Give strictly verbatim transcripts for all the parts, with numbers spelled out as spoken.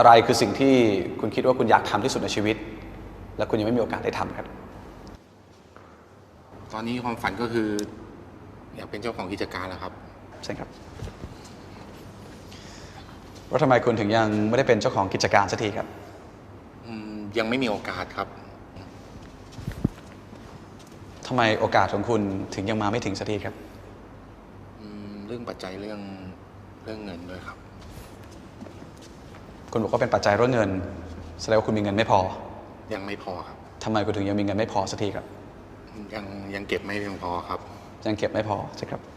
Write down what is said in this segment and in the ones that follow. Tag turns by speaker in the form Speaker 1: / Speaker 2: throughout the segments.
Speaker 1: อะไรคือสิ่งที่คุณคิดว่าคุณอยากทำที่สุดในชีวิตและคุณยังไม่มีโอกาสได้ทำครับ
Speaker 2: ตอนนี้ความฝันก็คืออยากเป็นเจ้าของกิจการแล้วครับ
Speaker 1: ใช่ครับว่าทำไมคุณถึงยังไม่ได้เป็นเจ้าของกิจการสักทีครับ
Speaker 2: ยังไม่มีโอกาสครับ
Speaker 1: ทำไมโอกาสของคุณถึงยังมาไม่ถึงสักทีครับ
Speaker 2: เรื่องปัจจัยเรื่องเรื่องเงินด้วยครับ
Speaker 1: คุณบอกว่าเป็นปัจจัยเรื่องเงินแสดงว่าคุณมีเงินไม่พอ
Speaker 2: ยังไม่พอครับ
Speaker 1: ทำไมคุณถึงยังมีเงินไม่พอสักทีครับ
Speaker 2: ยังยังเก็บไม่เพียงพอครับ
Speaker 1: ยังเก็บไม่พอใช่ครับ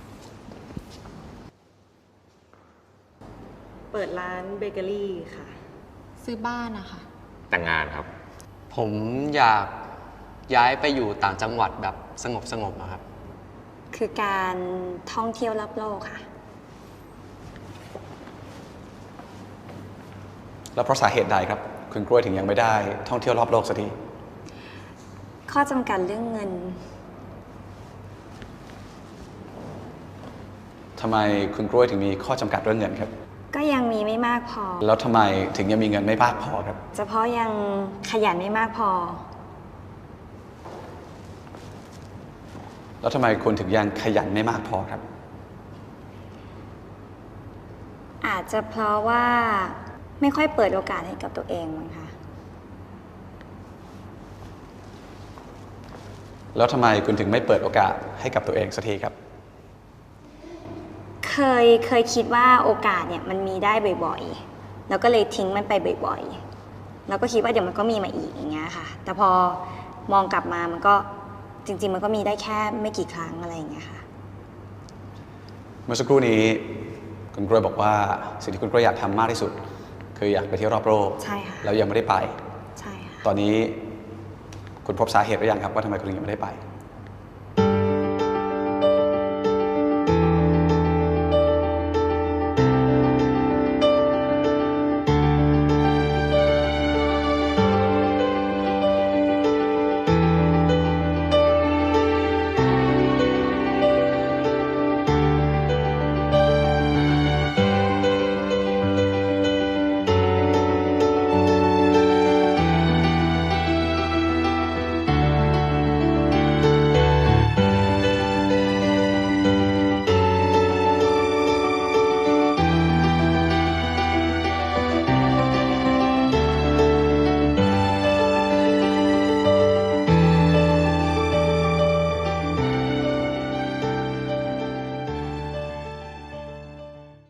Speaker 3: เปิดร้านเบเกอรี่ค่ะ
Speaker 4: ซื้อบ้านนะคะ
Speaker 5: แต่งงานครับ
Speaker 6: ผมอยากย้ายไปอยู่ต่างจังหวัดแบบสงบสงบครับ
Speaker 4: คือการท่องเที่ยวรอบโลกค่ะ
Speaker 1: แล้วเพราะสาเหตุใดครับคุณกล้วยถึงยังไม่ได้ท่องเที่ยวรอบโลกสักที
Speaker 4: ข้อจำกัดเรื่องเงิน
Speaker 1: ทำไมคุณกล้วยถึงมีข้อจำกัดเรื่องเงินครับ
Speaker 4: ก็ยังมีไม่มากพอ
Speaker 1: แล้วทำไมถึงยังมีเงินไม่มากพอครับ
Speaker 4: เฉพาะยังขยันไม่มากพอ
Speaker 1: แล้วทำไมคุณถึงยังขยันไม่มากพอครับ
Speaker 4: อาจจะเพราะว่าไม่ค่อยเปิดโอกาสให้กับตัวเองมั้งคะ
Speaker 1: แล้วทำไมคุณถึงไม่เปิดโอกาสให้กับตัวเองสักทีครับ
Speaker 4: เคยเคยคิดว่าโอกาสเนี่ยมันมีได้บ่อยๆแล้วก็เลยทิ้งมันไปบ่อยๆแล้วก็คิดว่าเดี๋ยวมันก็มีมาอีกอย่างเงี้ยค่ะแต่พอมองกลับมามันก็จริงๆมันก็มีได้แค่ไม่กี่ครั้งอะไรอย่างเงี้ยค่ะ
Speaker 1: เมื่อสักครู่นี้คุณกล้วยบอกว่าสิ่งที่คุณกล้วยอยากทำมากที่สุดคืออยากไปเที่ยวรอบโลก
Speaker 4: ใช่ค่ะ
Speaker 1: แล้วยังไม่ได้ไป
Speaker 4: ใช่ค่ะ
Speaker 1: ตอนนี้คุณพบสาเหตุหรือยังครับว่าทำไมคุณยังไม่ได้ไป